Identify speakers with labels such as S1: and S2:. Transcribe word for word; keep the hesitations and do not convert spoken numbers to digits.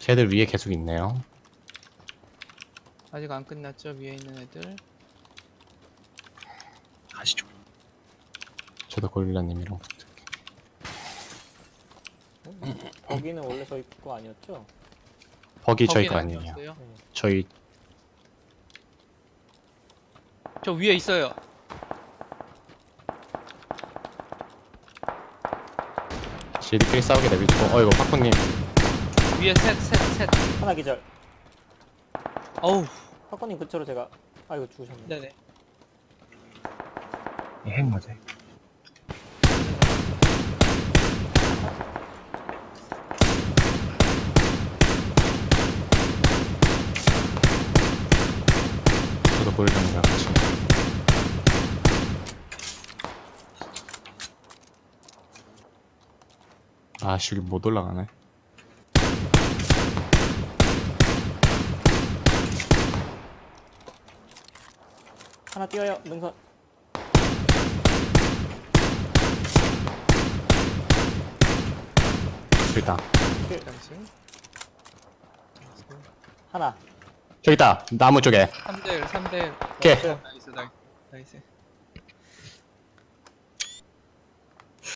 S1: 쟤들 위에 계속 있네요.
S2: 아직 안 끝났죠? 위에 있는 애들.
S3: 가시죠.
S1: 저도 고릴라님이랑 붙을게.
S4: 거기는 원래 저희 거 아니었죠?
S1: 버기 저희
S2: 거기는
S1: 거 아니에요.
S2: 아니었어요?
S4: 네.
S1: 저희
S2: 저 위에 있어요.
S1: 쟤들끼리 싸우게 내비두고. 어 이거 파쿠님
S2: 위에 셋, 셋, 셋.
S4: 하나 기절.
S2: 어우,
S4: 사건님 근처로 제가 아 이거 죽으셨네.
S2: 네네.
S3: 예, 핵 맞아요.
S1: 저도 고릴라님이랑 같이. 아씨 여기 못 올라가네.
S4: 하나 뛰어요. 능선.
S1: 일단
S2: 당신.
S4: 하나.
S1: 저기 있다 나무 쪽에.
S2: 삼 대 일, 삼 대 일.
S1: 오케이.
S2: 나이스, 나이스, 나이스.